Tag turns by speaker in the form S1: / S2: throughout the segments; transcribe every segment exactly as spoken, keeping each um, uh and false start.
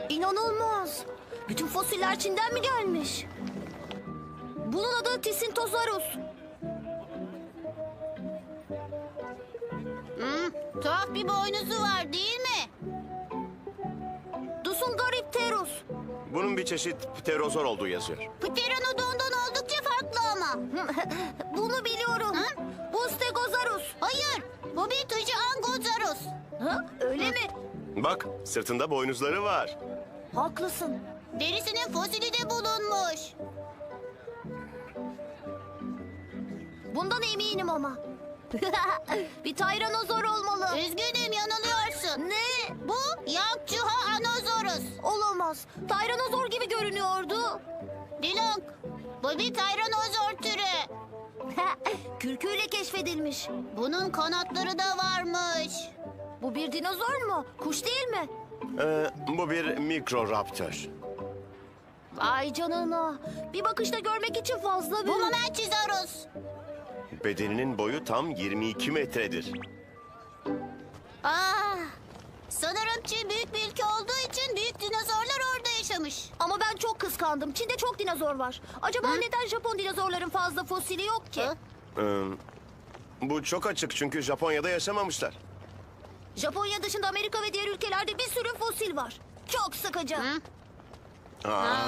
S1: İnanılmaz. Bütün fosiller Çin'den mi gelmiş? Bunun adı Tisintozarus.
S2: Hmm, tuhaf bir boynuzu var değil mi?
S1: Dusungaripterus.
S3: Bunun bir çeşit pterozor olduğu yazıyor.
S2: Pteranodon'dan oldukça farklı ama.
S1: Bunu biliyorum.
S2: Hı?
S1: Bu Stegozarus.
S2: Hayır, bu bir Tujiangozarus.
S1: Ha, öyle mi?
S3: Bak, sırtında boynuzları var.
S1: Haklısın.
S2: Derisinin fosili de bulunmuş.
S1: Bundan eminim ama. Bir tayranozor olmalı.
S2: Üzgünüm, yanılıyorsun.
S1: Ne?
S2: Bu Yangchuha-anozorus.
S1: Olamaz. Tayranozor gibi görünüyordu.
S2: Dilong, bu bir tyranozor türü.
S1: Kürküyle keşfedilmiş.
S2: Bunun kanatları da varmış.
S1: Bu bir dinozor mu? Kuş değil mi?
S3: Ee, bu bir mikroraptor.
S1: Vay canına. Bir bakışta görmek için fazla
S2: Bu
S1: büyük.
S2: Mamenchisaurus.
S3: Bedeninin boyu tam yirmi iki metredir.
S2: Ah, sanırım Çin büyük bir ülke olduğu için büyük dinozorlar orada yaşamış.
S1: Ama ben çok kıskandım. Çin'de çok dinozor var. Acaba neden Japon dinozorların fazla fosili yok ki?
S2: Hı?
S3: Ee, bu çok açık çünkü Japonya'da yaşamamışlar.
S1: Japonya dışında Amerika ve diğer ülkelerde bir sürü fosil var. Çok sıkıcı.
S2: Hı?
S3: Aa,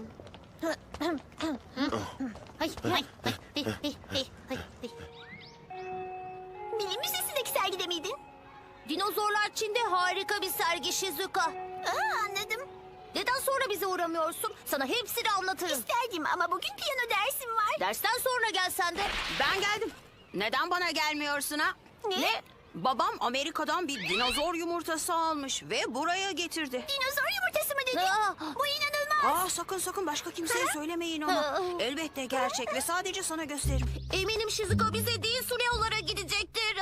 S2: Hay, hay, hay, hay, hay, hay, hay, hay.
S1: Bilim Müzesi'ndeki sergide miydin? Dinozorlar Çin'de harika bir sergi Shizuka. Aa, anladım. Neden sonra bize uğramıyorsun? Sana hepsini anlatırım. İsterdim ama bugün piyano dersim var. Dersten sonra gelsen de.
S4: Ben geldim. Neden bana gelmiyorsun ha?
S1: Ne?
S4: Babam Amerika'dan bir dinozor yumurtası almış ve buraya getirdi.
S1: Dinozor yumurtası mı dedin?
S2: Aa.
S1: Bu inanılmaz.
S4: Aa sakın sakın başka kimseye söylemeyin ama.
S1: Ha.
S4: Elbette gerçek ve sadece sana gösteririm.
S1: Eminim Shizuka bize değil Suneo'lara gidecektir.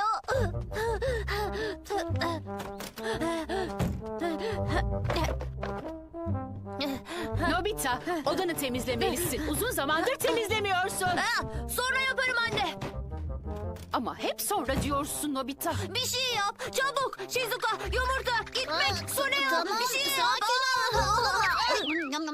S5: Nobita, odanı temizlemelisin. Uzun zamandır temizlemiyorsun.
S1: Ha, sonra yaparım anne.
S5: Ama hep sonra diyorsun Nobita.
S1: Bir şey yap. Çabuk. Shizuka, yumurta, gitmek, Suneo.
S2: Tamam,
S1: bir şey yap.
S2: sakin ol.
S1: Aa!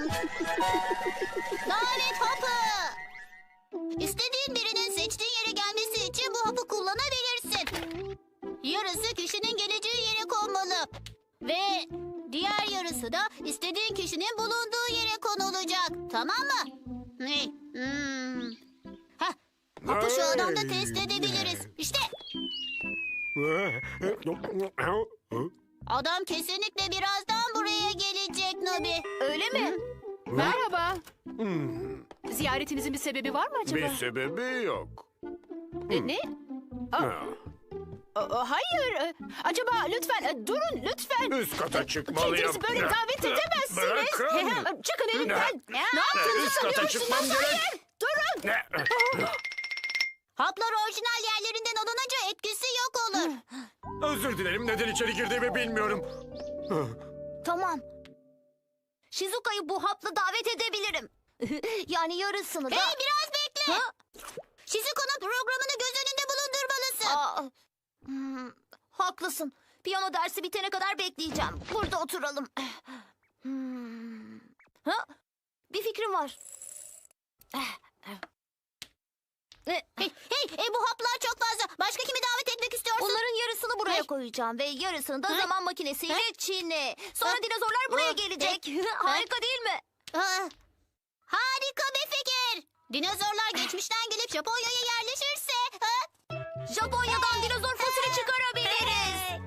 S2: Lanet hapı. İstediğin birinin seçtiğin yere gelmesi için bu hapı kullanabilirsin. Yarısı kişinin geleceği yere konmalı. Ve diğer yarısı da istediğin kişinin bulunduğu yere konulacak. Tamam mı? Ne? Hmm. Heh, hapı şu adamda test edebiliriz. İşte adam kesinlikle birazdan buraya gelecek Nobi.
S1: Öyle mi?
S5: Merhaba. Ziyaretinizin bir sebebi var mı acaba?
S6: Bir sebebi yok.
S5: E, ne? Aa,
S6: Ha.
S5: aa, hayır. E, Acaba lütfen e, durun lütfen.
S6: Üst kata çıkmalıyım.
S5: Kendinizi böyle davet edemezsiniz.
S6: Bırakın.
S5: Çıkın elimden.
S6: Ne?
S5: Ne yaptığınızı
S6: Üst kata
S5: sanıyorsunuz?
S6: çıkmam gerek.
S5: Hayır, durun.
S6: Ne?
S2: Haplar orijinal yerlerinden alınınca etkisi yok olur.
S6: Özür dilerim, neden içeri girdiğimi bilmiyorum.
S1: Tamam. Shizuka'yı bu hapla davet edebilirim. Yani yarısını da...
S2: Hey biraz bekle.
S1: Ha?
S2: Shizuka'nın programını göz önünde bulundurmalısın.
S1: Aa, hmm, haklısın. Piyano dersi bitene kadar bekleyeceğim. Burada oturalım. Hmm. Ha? Bir fikrim var.
S2: Hey, hey, hey, bu haplar çok fazla. Başka kimi davet etmek istiyorsun?
S1: Onların yarısını buraya
S2: Hey.
S1: koyacağım ve yarısını da
S2: Ha?
S1: zaman makinesiyle
S2: Ha?
S1: Çin'e. Sonra
S2: Ha?
S1: dinozorlar buraya
S2: Ha?
S1: gelecek.
S2: Ha?
S1: Harika değil mi?
S2: Ha, harika bir fikir. Dinozorlar geçmişten gelip Japonya'ya yerleşirse... Ha?
S1: Japonya'dan dinozor fosili çıkarabiliriz.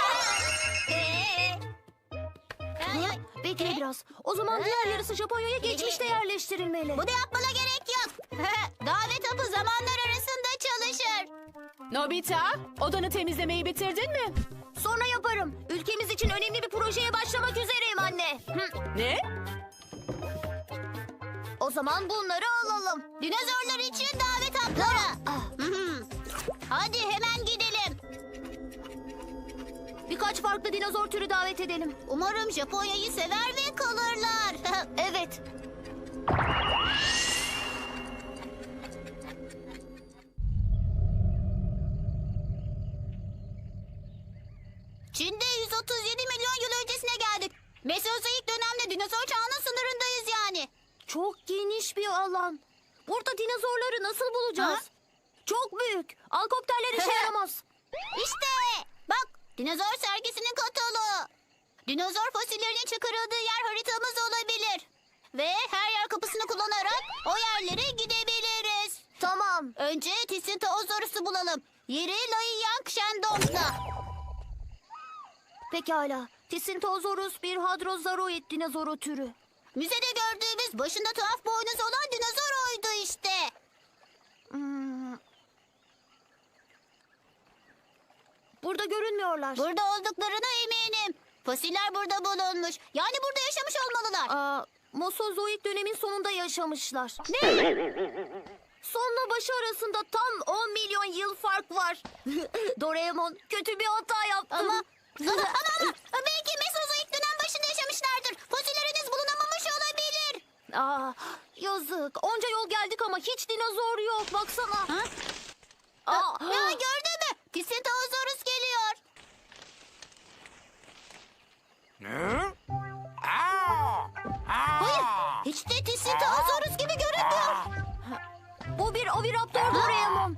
S1: Ha? Bekle biraz. O zaman diğer yarısı Japonya'ya geçmişte yerleştirilmeli.
S2: Bunu yapmana gerek yok. Davet hapı zamanlar arasında çalışır.
S5: Nobita, odanı temizlemeyi bitirdin mi?
S1: Sonra yaparım. Ülkemiz için önemli bir projeye başlamak üzereyim anne. Hı.
S5: Ne?
S1: O zaman bunları alalım.
S2: Dinozorlar için davet hapları.
S1: Ah,
S2: Hı hı. Hadi hemen gidelim.
S1: birkaç farklı dinozor türü davet edelim.
S2: Umarım Japonya'yı sever ve kalırlar.
S1: Evet.
S2: Çin'de yüz otuz yedi milyon yıl öncesine geldik. Mesozoik dönemde dinozor çağının sınırındayız yani.
S1: Çok geniş bir alan. Burada dinozorları nasıl bulacağız?
S2: Ha?
S1: Çok büyük. Alkopterler işe yaramaz.
S2: İşte bak dinozor sergisinin kataloğu. Dinozor fosillerinin çıkarıldığı yer haritamız olabilir. Ve her yer kapısını kullanarak o yerlere gidebiliriz.
S1: Tamam.
S2: Önce Tissintosaurus'u bulalım. Yeri Laiyang Shendong'da.
S1: Pekala. Tissintosaurus bir hadrozaroid dinozoru türü.
S2: Müzede gördüğümüz başında tuhaf boynuz olan dinozor oydu işte.
S1: Hmm. Burada görünmüyorlar.
S2: Burada olduklarına eminim. Fosiller burada bulunmuş. Yani burada yaşamış olmalılar.
S1: Aa, Mosozoik dönemin sonunda yaşamışlar. Ne? Sonla başı arasında tam on milyon yıl fark var. Doraemon kötü bir hata yaptın.
S2: Ama ama ama, ama belki Mesozoik dönem başında yaşamışlardır. Fosil henüz bulunamamış olabilir.
S1: Aa, yazık. Onca yol geldik ama hiç dinozor yok. Baksana.
S2: Ha?
S1: Aa,
S2: Ya gördün mü? Tissintosaurus geliyor.
S6: Ne? Aa!
S2: Hayır, hiç de Tissintosaurus gibi görünmüyor.
S1: bu bir oviraptor Doraemon.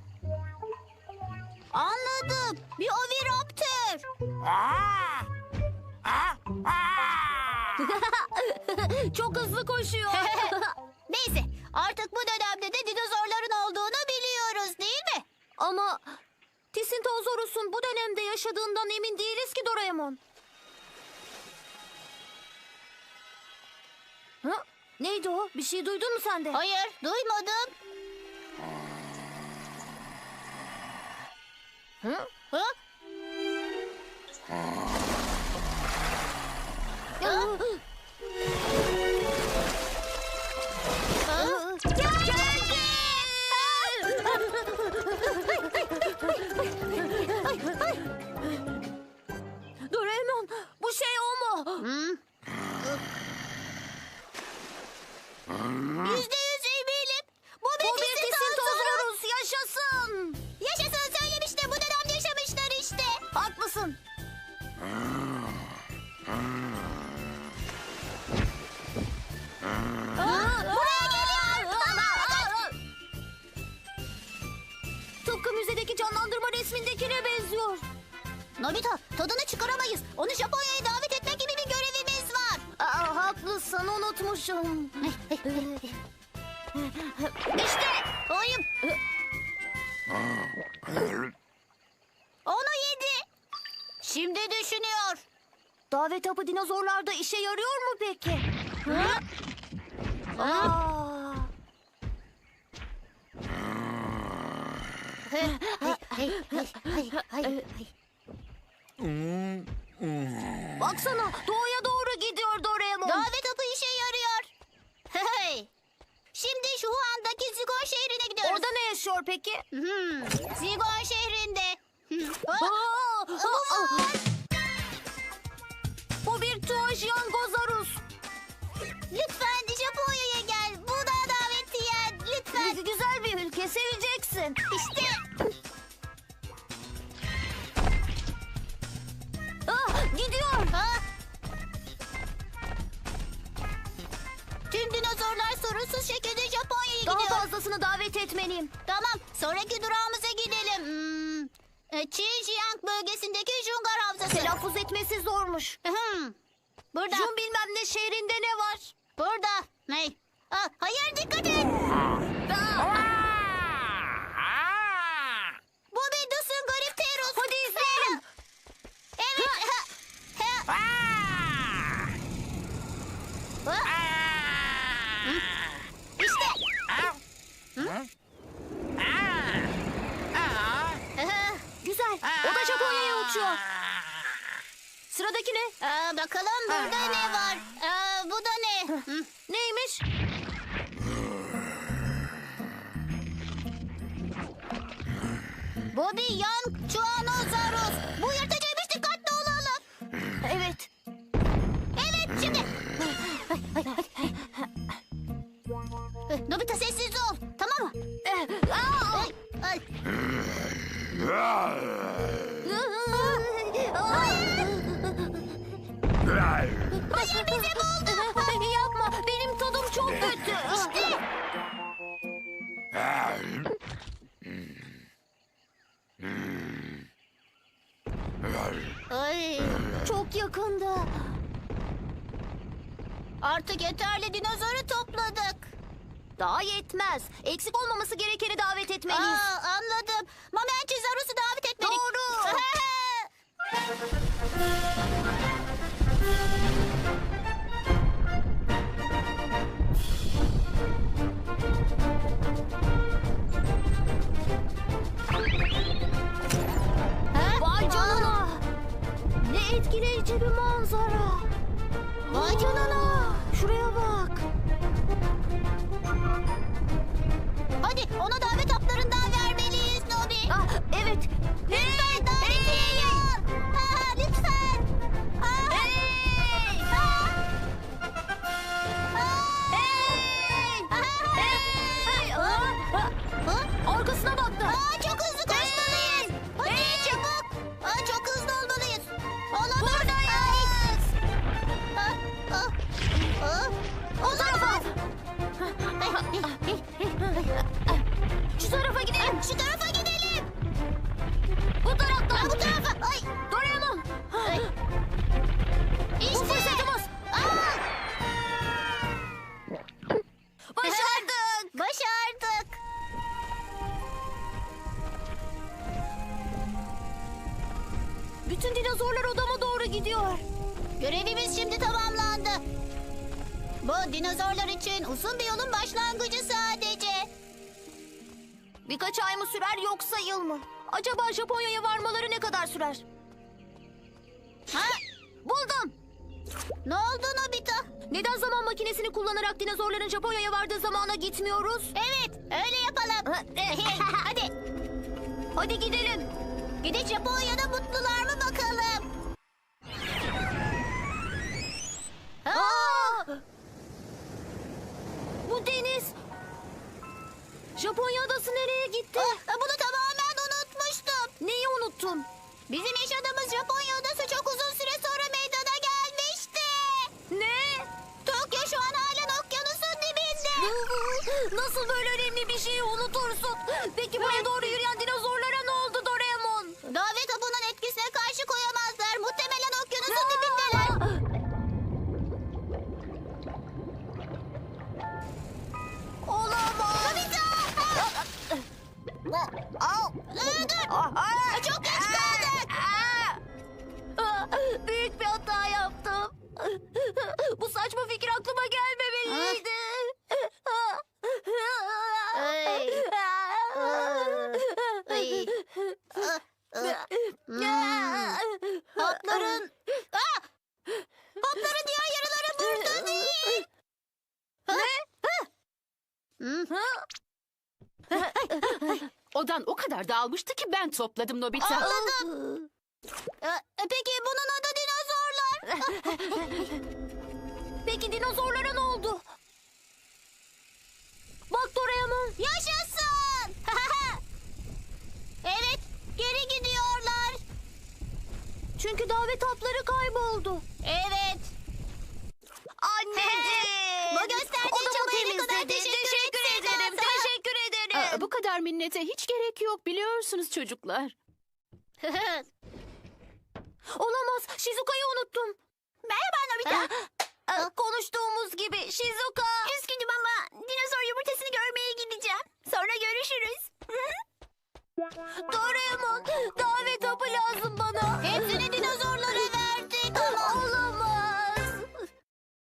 S2: Anladım. Bir oviraptor.
S6: Aa! Aa! Aa!
S1: Çok hızlı koşuyor.
S2: Neyse, artık bu dönemde de dinozorların olduğunu biliyoruz değil mi?
S1: Ama Tissintosaurus'un bu dönemde yaşadığından emin değiliz ki Doraemon. Ha? Neydi o? Bir şey duydun mu sen de?
S2: Hayır, duymadım.
S1: Hı?
S2: Ha?
S1: Geldi! Doraemon, bu şey o mu?
S2: Hmm. Yüzde yüz eminim. Bu bir
S1: Bu bir
S2: Tissintosaurus.
S1: Tissintosaurus, yaşasın.
S2: Yaşasın söylemişti. Bu dönemde yaşamışlar işte.
S1: Haklısın.
S2: Buraya geliyor.
S1: Tıpkı müzedeki canlandırma resmindekine benziyor.
S2: Nobita, tadını çıkaramayız. Onu Japonya'ya davet etmek gibi bir görevimiz var.
S1: Aa, haklısın, unutmuşum.
S2: İşte oyun. Onu yedi. Şimdi düşünüyor.
S1: Davet hapı dinozorlarda işe yarıyor mu peki?
S2: Hı?
S1: Aa.
S2: Hey, hey, hey, hey, hey, hey.
S1: Baksana, doğuya doğru gidiyor Doraemon.
S2: Davet hapı işe yarıyor. Hey. Şimdi şu andaki Zigon şehrine gidiyoruz.
S1: Orada ne yaşıyor peki?
S2: Hmm, Zigon şehrinde. Hmm.
S1: Aa,
S2: Oh,
S1: aa, aa. Bu bir Tuajiangozarus.
S2: lütfen Japonya'ya gel. Bu da davetiyen. Lütfen.
S1: Güzel bir ülke, seveceksin.
S2: İşte.
S1: Ah, gidiyor.
S2: Ha? Tüm dinozorlar sorunsuz şekilde Japonya'ya
S1: Daha
S2: gidiyor.
S1: fazlasını davet etmeliyim.
S2: Tamam, sonraki durağımıza gidelim. Hmm. e, Xinjiang bölgesindeki Jungar Havzası.
S1: Telaffuz etmesi zormuş.
S2: Hmm. Burada,
S1: Jun bilmem ne şehrinde ne var?
S2: burada. Ne? Aa, hayır, dikkat et. Bu bir Dusungoripterus.
S1: Hadi izleyelim.
S2: Evet. Ha. Ha. Ha. Hı? İşte. Hı? Aha.
S1: Güzel. O da Japonya'ya uçuyor. Sıradaki ne?
S2: Aa, bakalım burada ne var? Aa, bu da ne? Hı.
S1: Neymiş?
S2: Bu bir yan Chuanosaurus. Bu yırtıcıymış, dikkatli olalım.
S1: Evet.
S2: Evet, şimdi. Nobita sessiz ol. Tamam mı?
S1: Eh, aa!
S2: Ay, ay.
S1: Hayır.
S2: Hayır.
S1: Bizi buldu. Yapma. Benim tadım çok kötü. İşte.
S2: Ay,
S1: Çok yakında.
S2: artık yeterli dinozoru topladık.
S1: Daha yetmez. Eksik olmaması gerekeni davet etmeliyiz.
S2: Aa, anladım. Mamençizarus'u davet etmedik.
S1: Doğru. Vay canına. Ne etkileyici bir manzara. Vay canına. Şuraya bak.
S2: Hadi ona davet haplarından vermeliyiz Nobi.
S1: Ah, evet.
S2: Lütfen davetiye yap. Ha, lütfen. Ha.
S1: Hey!
S2: Ha.
S1: Hey! Hey! Aa!
S2: Ha.
S1: Arkasına baktı.
S2: Aa, çok hızlı koşmalıyız. Hadi çabuk. Aa, çok hızlı olmalıyız. Olamaz.
S1: Buradayız.
S2: Ha, ha, ha.
S1: O tarafa. Şu tarafa gidelim.
S2: Şu tarafa gidelim.
S1: Bu taraftan.
S2: Ha, bu tarafa. Ay.
S1: Doraemon.
S2: Ay.
S1: Bu
S2: İşte.
S1: fırsatımız.
S2: Aa,
S1: Başardık.
S2: başardık.
S1: Bütün dinozorlar odama doğru gidiyor.
S2: Görevimiz şimdi tamamlandı. Bu dinozorlar için uzun bir yolun başlangıcı sadece.
S1: Birkaç ay mı sürer yoksa yıl mı? Acaba Japonya'ya varmaları ne kadar sürer?
S2: Ha?
S1: Buldum.
S2: Ne oldu Nobita?
S1: Neden zaman makinesini kullanarak dinozorların Japonya'ya vardığı zamana gitmiyoruz?
S2: Evet, öyle yapalım. Hadi,
S1: Hadi gidelim.
S2: gidip Japonya'da mutlular mı bakalım?
S1: Aa! Bu deniz. Japonya adası nereye gitti?
S2: Ah, bunu tamamen unutmuştum.
S1: Neyi unuttun?
S2: Bizim yaşadığımız Japonya adası çok uzun süre sonra meydana gelmişti.
S1: Ne?
S2: Tokyo şu an halen okyanusun dibinde.
S1: Nasıl böyle önemli bir şeyi unutursun? Peki buraya doğru yürüyen dinozorlara ne oldu Doraemon?
S2: Davet hapının etkisine karşı koyamazlar. Muhtemelen okyanusun dibindeler.
S1: Olamaz.
S2: Aa, dur. Çok geç kaldık.
S1: Büyük bir hata yaptım. Bu saçma fikir aklıma gelmemeliydi.
S2: Ay. Ay. Hmm. Hapların... Aa! Hapların diğer yarıları burada değil.
S5: Odan o kadar dağılmıştı ki ben topladım Nobita.
S2: Anladım. Ee, Peki bunun adı dinozorlar.
S1: Peki dinozorlara ne oldu? Bak Doraemon.
S2: Yaşasın. Evet, geri gidiyorlar.
S1: Çünkü davet hapları kayboldu.
S2: Evet.
S1: Anneciğim.
S2: Bu gösterdiğin
S1: Odamı
S2: çabaya ne kadar
S1: temizledin.
S2: teşekkür
S1: Teşekkür
S2: etsek
S1: ederim.
S2: olsa.
S1: Teşekkür ederim.
S5: Aa, bu kadar minnete hiç gerek yok biliyorsunuz çocuklar.
S1: Olamaz. Shizuka'yı unuttum.
S2: Merhaba Nobita.
S1: Aa, konuştuğumuz gibi Shizuka.
S2: Üzgünüm ama